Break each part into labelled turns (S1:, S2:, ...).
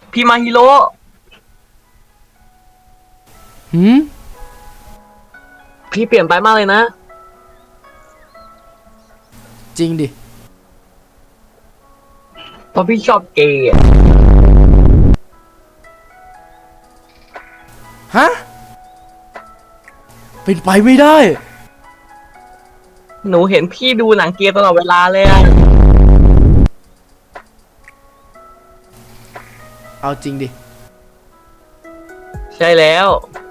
S1: พี่มาฮิโร่
S2: หืม
S1: พี่เปลี่ยนไปมากเลยนะ
S2: จริงดิ
S1: เพราะพี่ชอบเกย์
S2: ฮะเป็นไปไม่ได้
S1: หนูเห็นพี่ดูหนังเกย์ตลอดเวลาเลยอะ
S2: เอาจริงดิ
S1: ใช่แล้ว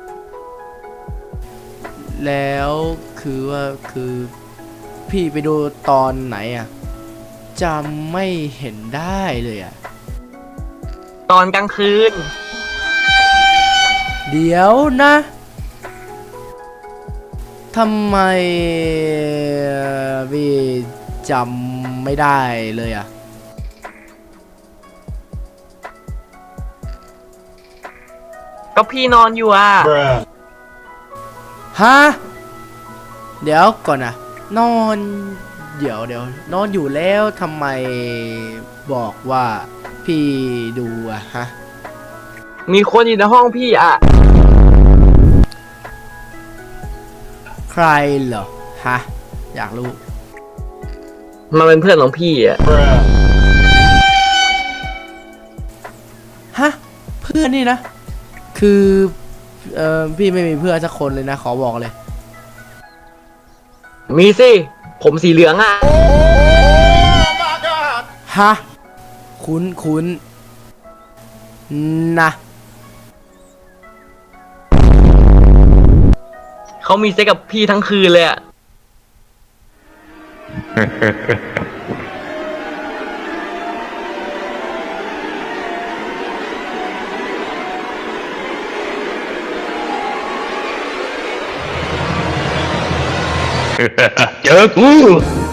S2: แล้วคือว่าคือพี่ไปดูตอนไหนอ่ะจำไม่เห็นได้เลยอ่ะ
S1: ตอนกลางคืน
S2: เดี๋ยวนะทำไมพี่จำไม่ได้เลยอ่ะ
S1: ก็พี่นอนอยู่อ่ะ
S2: ฮะเดี๋ยวก่อนนะนอนเดี๋ยวนอนอยู่แล้วทำไมบอกว่าพี่ดูอะฮะ
S1: มีคนอยู่ในห้องพี่อ่ะ
S2: ใครเหรอฮะอยากรู้
S1: มันเป็นเพื่อนของพี่อ่ะ
S2: ฮะเพื่อนนี่นะคือพี่ไม่มีเพื่อนสักคนเลยนะขอบอกเลย
S1: มีสิผมสีเหลืองอ่ะ
S2: ฮะคุ้นนะ
S1: เขามีเซ็กกับพี่ทั้งคืนเลยอ่ะ
S3: เจอกู